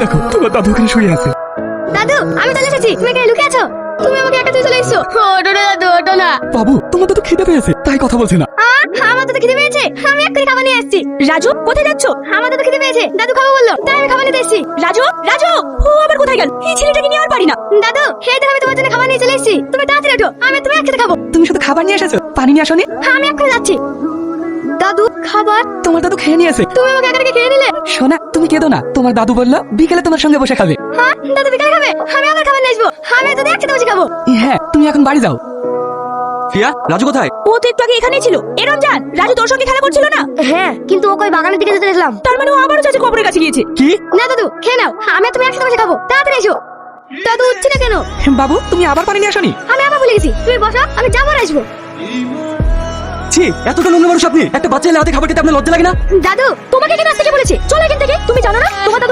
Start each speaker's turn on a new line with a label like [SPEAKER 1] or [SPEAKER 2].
[SPEAKER 1] দেখো তোমার দাদু ওখানে শুয়ে আছে।
[SPEAKER 2] দাদু আমি চলে এসেছি, তুমি এখানে লুকিয়ে আছো? তুমি আমাকে একা তুই চলে এসেছো। ওটো না দাদু, ওটো না।
[SPEAKER 1] বাবু তোমার দাদু খিদে পেয়েছে তাই কথা বলছে না।
[SPEAKER 2] আমার দাদু খিদে পেয়েছে, আমি এক্ষুনি খাবার নিয়ে আসছি। রাজু কোথায় যাচ্ছ? আমার দাদু খিদে পেয়েছে, দাদু খাবো বললো, তাই আমি খাবার নিতে এসেছি। রাজু রাজু, ও আবার কোথায় গেল? এই ছেলেটাকে নিয়ে আর পারি না। দাদু এই দেখো আমি তোমার জন্য খাবার নিয়ে চলে এসেছি, তুমি তাড়াতাড়ি ওঠো, আমি তুমি একসাথে খাবো।
[SPEAKER 1] তুমি শুধু খাবার নিয়ে এসেছো, পানি নিয়ে আসোনি?
[SPEAKER 2] আমি এক্ষুনি যাচ্ছি। দাদু খাবার?
[SPEAKER 1] তোমার দাদু খেয়ে নিয়েছে।
[SPEAKER 2] তুমি আমাকে একা রেখে খেয়ে নিলে।
[SPEAKER 1] সোনা তুমি কেঁদো না, তোমার দাদু বললো বিকেলে তোমার সঙ্গে বসে খাবে।
[SPEAKER 2] হ্যাঁ দাদু বিকালে খাবে, আমি আবার খাবার নিয়ে আসবো। আমি তো একসাথে বসে খাবো।
[SPEAKER 1] হ্যাঁ তুমি এখন বাড়ি যাও। প্রিয়া, রাজু কোথায়?
[SPEAKER 2] ও তো একটু আগে এখানেই ছিল। এ রমজান, রাজু তোর সঙ্গে খেলা করছিল না? হ্যাঁ, কিন্তু ও কই বাগানের দিকে যেতে দেখলাম। তার মানে ও আবারও চাচা কবরের কাছে গিয়েছে।
[SPEAKER 1] কি?
[SPEAKER 2] না দাদু খেয়ে নাও, আমি আর তুমি একসাথে বসে খাবো, তাড়াতাড়ি এসো। দাদু উঠছে না কেন?
[SPEAKER 1] বাবু তুমি আবার পানি নিয়ে আসোনি?
[SPEAKER 2] আমি আবার ভুলে গেছি, তুমি বসো, আমি যাবো আর আসবো।
[SPEAKER 1] ছি, এতটা নোংরা মানুষ আপনি। একটা বাচ্চা এলে হাতে খাবার খেতে আপনার লজ্জা লাগে না?
[SPEAKER 2] দাদু তোমাকে কেন আসতে বলেছি? চলো এখান থেকে। তুমি জানো না তোমার